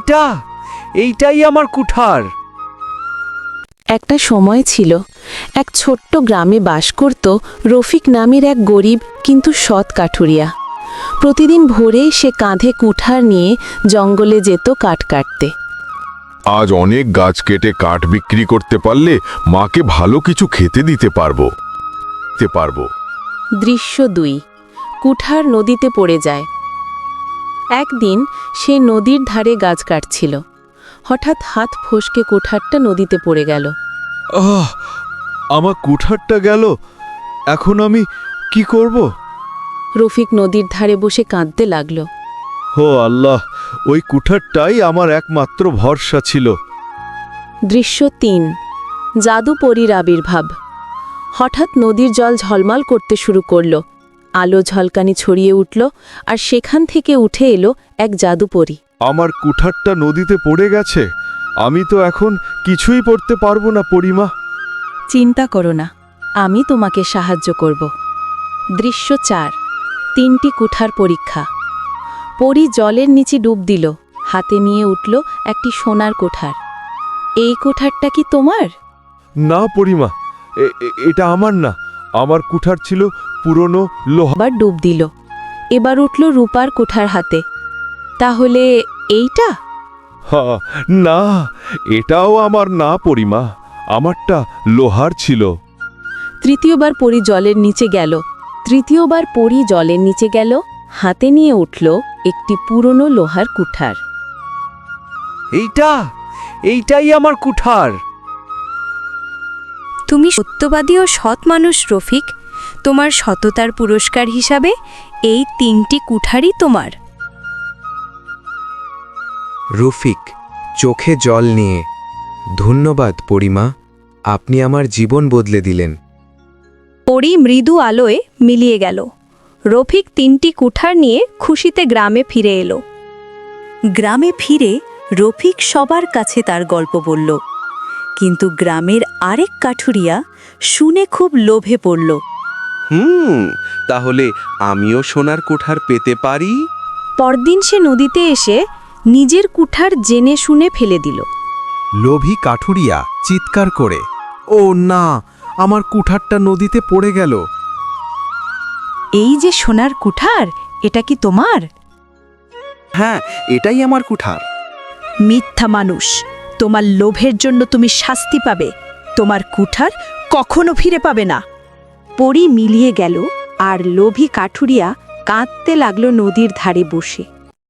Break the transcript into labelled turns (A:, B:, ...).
A: এইটাই আমার কুঠার।
B: একটা সময় ছিল, এক ছোট্ট গ্রামে বাস করত রফিক নামের এক গরিব কিন্তু সৎ কাঠুরিয়া। প্রতিদিন ভোরে সে কাঁধে কুঠার নিয়ে জঙ্গলে যেত কাঠ কাটতে।
C: আজ অনেক গাছ কেটে কাঠ বিক্রি করতে পারলে মাকে ভালো কিছু খেতে দিতে পারবো।
B: দৃশ্য 2। কুঠার নদীতে পড়ে যায়। একদিন সে নদীর ধারে গাছ কাটছিল। হঠাৎ হাত ফসকে কুঠারটা নদীতে পড়ে গেল।
D: আমার কুঠারটা গেল, এখন আমি কি করব?
B: রফিক নদীর ধারে বসে কাঁদতে লাগল।
D: হো আল্লাহ, ওই কুঠারটাই আমার একমাত্র ভরসা ছিল।
B: দৃশ্য 3। জাদু পরীর আবির্ভাব। হঠাৎ নদীর জল ঝলমল করতে শুরু করল। আলো ঝলকানি ছড়িয়ে উঠল, আর সেখান থেকে উঠে এলো এক জাদু পরী।
D: আমার কুঠারটা নদীতে পড়ে গেছে, আমি তো এখন কিছুই পড়তে পারবো না পরিমা।
B: চিন্তা করো না, আমি তোমাকে সাহায্য করব। দৃশ্য 4। 3টি কুঠার পরীক্ষা। পরী জলের নিচে ডুব দিল, হাতে নিয়ে উঠল একটি সোনার কুঠার। এই কুঠারটা কি তোমার?
D: না পরিমা, এটা আমার না। আমার কুঠার ছিল পুরনো লোহা।
B: আবার ডুব দিল, এবার উঠল রূপার কুঠার হাতে। তাহলে এইটা?
D: না, এটাও আমার না পরিমা, আমারটা লোহার ছিল।
B: তৃতীয়বার পরী জলের নিচে গেল, হাতে নিয়ে উঠল একটি পুরনো লোহার কুঠার।
A: এইটাই আমার কুঠার।
E: তুমি সত্যবাদী ও সৎ মানুষ রফিক। তোমার সততার পুরস্কার হিসাবে এই 3টি কুঠারই তোমার।
F: রফিক চোখে জল নিয়ে, ধন্যবাদ পরিমা, আপনি আমার জীবন বদলে দিলেন।
E: পরী মৃদু আলোয় মিলিয়ে গেল। রফিক 3টি কুঠার নিয়ে খুশিতে গ্রামে ফিরে এলো। গ্রামে ফিরে রফিক সবার কাছে তার গল্প বলল, কিন্তু গ্রামের আরেক কাঠুরিয়া শুনে খুব লোভে পড়ল।
G: তাহলে আমিও সোনার কুঠার পেতে পারি?
E: পরদিন সে নদীতে এসে নিজের কুঠার জেনে শুনে ফেলে দিল।
F: লোভী কাঠুরিয়া চিৎকার করে, ও না, আমার কুঠারটা নদীতে পড়ে গেল।
E: এই যে সোনার কুঠার, এটা কি তোমার?
G: হ্যাঁ, এটাই আমার কুঠার।
E: মিথ্যা মানুষ, তোমার লোভের জন্য তুমি শাস্তি পাবে। তোমার কুঠার কখনো ফিরে পাবে না। পরী মিলিয়ে গেল, আর লোভী কাঠুরিয়া কাঁদতে লাগলো নদীর ধারে বসে।